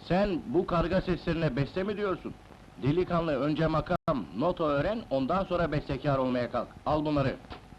Sen bu karga seslerine beste mi diyorsun? Delikanlı, önce makam, nota öğren, ondan sonra bestekâr olmaya kalk. Al bunları.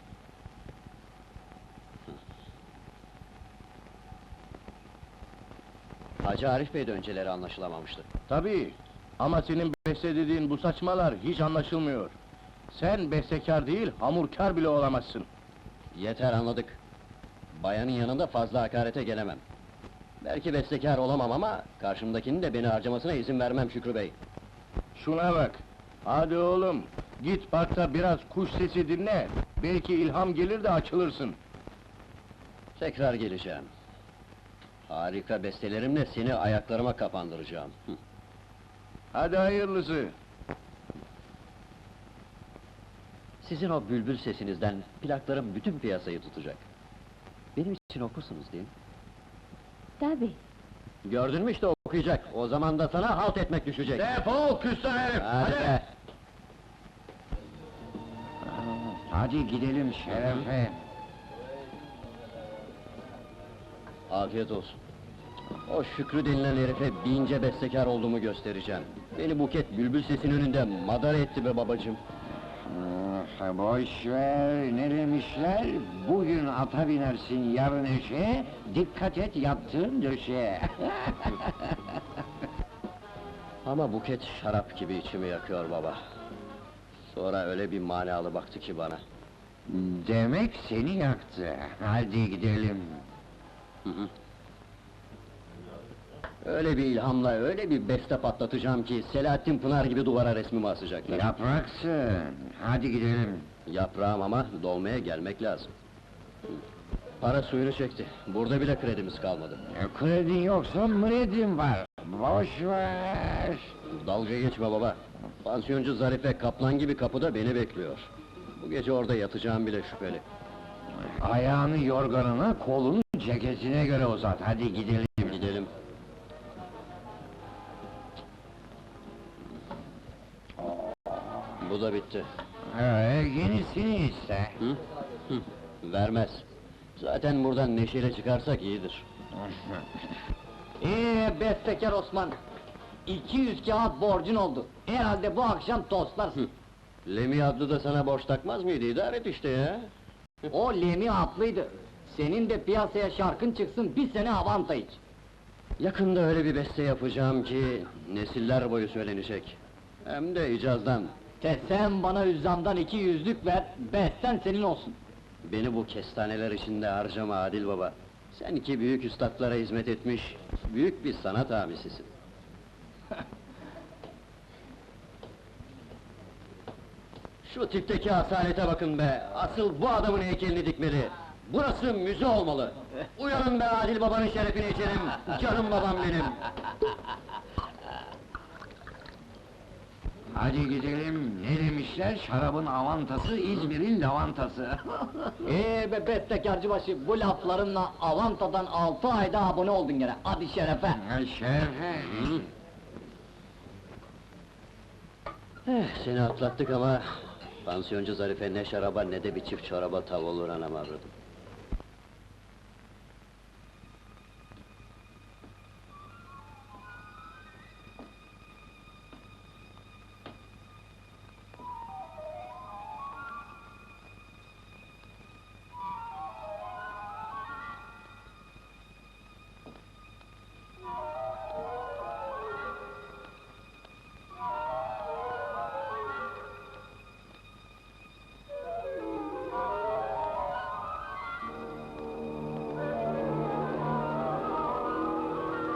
Hacı Arif Bey de önceleri anlaşılamamıştı. Tabii, ama senin beste dediğin bu saçmalar hiç anlaşılmıyor. Sen bestekâr değil, hamurkâr bile olamazsın. Yeter, anladık. Bayanın yanında fazla hakarete gelemem. Belki bestekâr olamam ama karşımdakinin de beni harcamasına izin vermem Şükrü Bey. Şuna bak! Hadi oğlum, git parkta biraz kuş sesi dinle, belki ilham gelir de açılırsın. Tekrar geleceğim. Harika bestelerimle seni ayaklarıma kapandıracağım. Hadi hayırlısı! Sizin o bülbül sesinizden plaklarım bütün piyasayı tutacak. Benim için okursunuz değil mi? Tabii. Gördün mü işte okuyacak. O zaman da sana halt etmek düşecek. Defol küstah herif! Hadi be! Hadi gidelim Şerefe! Afiyet olsun. O Şükrü denilen herife bince bestekâr olduğumu göstereceğim. Beni Buket bülbül sesin önünde madara etti be babacığım. Boş ver, ne demişler? Bugün ata binersin, yarın eşeğe, dikkat et yattığın döşeye. Ama Buket şarap gibi içimi yakıyor baba. Sonra öyle bir manalı baktı ki bana. Demek seni yaktı. Hadi gidelim. Öyle bir ilhamla, öyle bir beste patlatacağım ki Selahattin Pınar gibi duvara resmimi asacaklar. Yapraksın. Hadi gidelim. Yaprağım ama dolmaya gelmek lazım. Para suyunu çekti. Burada bile kredimiz kalmadı. Kredin yoksa mredin var. Boş ver. Dalga geçme baba. Pansiyoncu Zarife kaplan gibi kapıda beni bekliyor. Bu gece orada yatacağım bile şüpheli. Ayağını yorganına, kolunu ceketine göre uzat. Hadi gidelim. Gidelim. Bu da bitti. Yenisini iste. Hı? Vermez. Zaten buradan neşeyle çıkarsak iyidir. Bestekar Osman! 200 kağıt borcun oldu. Herhalde bu akşam tostlarsın. Lemi adlı da sana borç takmaz mıydı? İdare et işte ya. O Lemi haklıydı. Senin de piyasaya şarkın çıksın, bir sene avanta iç. Yakında öyle bir beste yapacağım ki nesiller boyu söylenecek. Hem de icazdan. Sen bana üzzamdan 200'lük ver, besten senin olsun. Beni bu kestaneler içinde harcama Adil baba. Sen iki büyük üstadlara hizmet etmiş, büyük bir sanat abisisin. Şu tipteki asalete bakın be! Asıl bu adamın heykelini dikmeli! Burası müze olmalı! Uyanın be Adil babanın şerefine içelim! Canım babam benim! Hadi gidelim. Ne demişler? Şarabın avantası, İzmir'in lavantası. Be bestekarcıbaşı, bu laflarınla avantadan 6 ayda abone oldun gene. Hadi şerefe! Şerefe! Seni atlattık ama... Pansiyoncu Zarife ne şaraba ne de bir çift çoraba tav olur anam avradım.